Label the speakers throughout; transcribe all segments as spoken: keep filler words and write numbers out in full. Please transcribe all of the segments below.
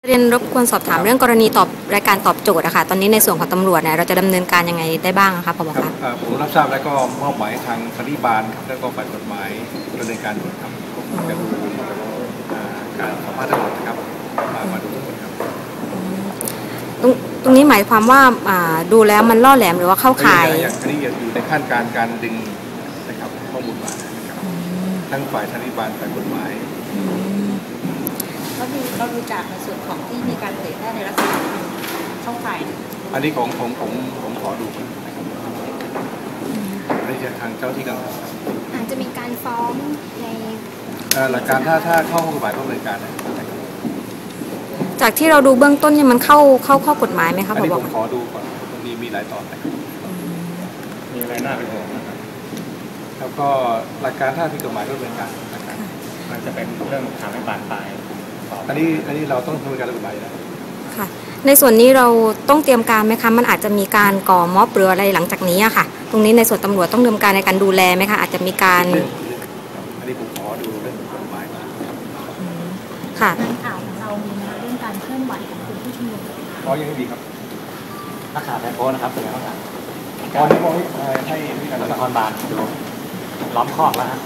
Speaker 1: เรียนรบกวนสอบถามเรื่องกรณีตอบรายการตอบโจทย์นะคะตอนนี้ในส่วนของตำรวจเนี่ยเราจะดำเนินการยังไงได้บ้างคะผบคะ
Speaker 2: ผมรับทราบแล้วก็มอบหมายทางสันติบาลครับแล้วก็ฝ่ายกฎหมายดำเนินการด่วนครับจะดูการสัมภาษณ์ทั้งหมดนะครับมามาดูทั้งหมดครับ
Speaker 1: ตรงตรงนี้หมายความว่าดูแล้วมันล่อแหลมหรือว่าเข้าข่าย
Speaker 2: อย่างนี้อยู่ในขั้นการการดึงนะครับข้อมูลมานะครับทั้งฝ่ายสันติบาลฝ่ายกฎหมาย
Speaker 3: ก็ดูเราดูจากในส่วนของที่มีการเผยแพร่ในลักษณะช่องข่าย
Speaker 2: อันนี้ของของผมผมขอดูนะครับอันนี้จะทางเจ้าที่กัน
Speaker 3: อาจจะมีการฟ้องใน
Speaker 2: หลักการถ้าถ้าเข้ากฎหมายต้องดำเนินการนะครับ
Speaker 1: จากที่เราดูเบื้องต้นเนี่ยมันเข้าเข้าข้อกฎหมายไหมครับ
Speaker 2: อันนี้ผมขอดูก่อนมีมีหลายตอนนะครับ
Speaker 4: มีอะไรน่าเป็นห่วงนะครับ
Speaker 2: แล้วก็หลักการถ้าผิดกฎหมายต้องดำเนินการนะครับ
Speaker 4: มันจะเป็นเรื่องทำให้บานปลาย
Speaker 2: อันนี้อันนี้เราต้องดำเนินการกฎหมายนะ
Speaker 1: ค่ะในส่วนนี้เราต้องเตรียมการไหมคะมันอาจจะมีการก่อม็อบหรืออะไรหลังจากนี้อะค่ะตรงนี้ในส่วนตำรวจต้องดำเนินการในการดูแลไหมคะอาจจะมีการ
Speaker 2: อันนี้ผมขอดูเรื่องกฎหมายมา
Speaker 1: ค่ะ
Speaker 3: ข่าวของเรามีนะเรื่องการเคลื่อนไหวของกลุ่มผู้ชุมนุม
Speaker 2: อ๋อยังไม่มีครับ
Speaker 4: นักข่าวไทยโพสนะครับเป็นไงบ้างครับ
Speaker 2: ตอนนี้บอกให้ให้การ
Speaker 4: นครบาลดูล้อมคอกแล้วฮะ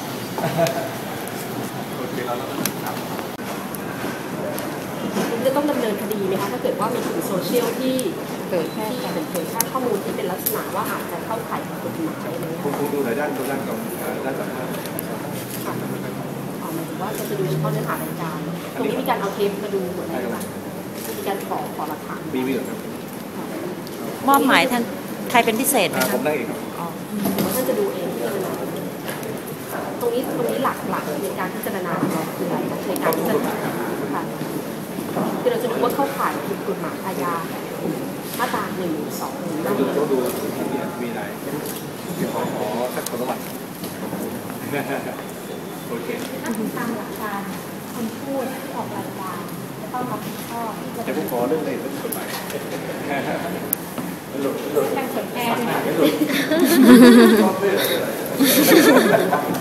Speaker 5: จะต้องดำเนินคดีไหมคะถ้าเกิดว่ามีกลุ่มโซเชียลที่เกิดที่เป็นเผยแพร่ข้อมูลที่เป็นลักษณะว่าอาจจะเข้าข่ายกฎหมายอะไรเงี้ย
Speaker 2: คุณดูในด้านด้านของด้านสัมภาษณ์
Speaker 5: ค่ะอ๋อหมายถึงว่าจะดูเฉพาะเนื้อหารายการตรงนี้มีการเอาเทปมาดูเหมือนกันค่ะมีการขอขอหลักฐาน
Speaker 2: มีมีเหรอครับ
Speaker 1: มอบหมายท่านใครเป็นพิเศษไหมคะ
Speaker 2: ผมได้เองครับ
Speaker 5: อ๋อท่านจะดูเองที่จะนะตรงนี้ตรงนี้หลักหลักในการพิจารณาของเราคืออะไรในการพิจารณาค่ะคือเราจะดูว่าเข้าข่ายผิดกฎหมายอาญามาตราหนึ่งสองหนึ่ง
Speaker 2: ต้องดูต้องดูมีอะไรขอขอสักคนละวันโอเค
Speaker 3: ถ้าตามหลักการคนพูดที่ออกรายการจะต้องรับผิดชอบที่จะ
Speaker 2: แต่ผมขอเรื่องอะไรเรื่องกฎหมาย
Speaker 3: หลุดหลุดการเผยแพร่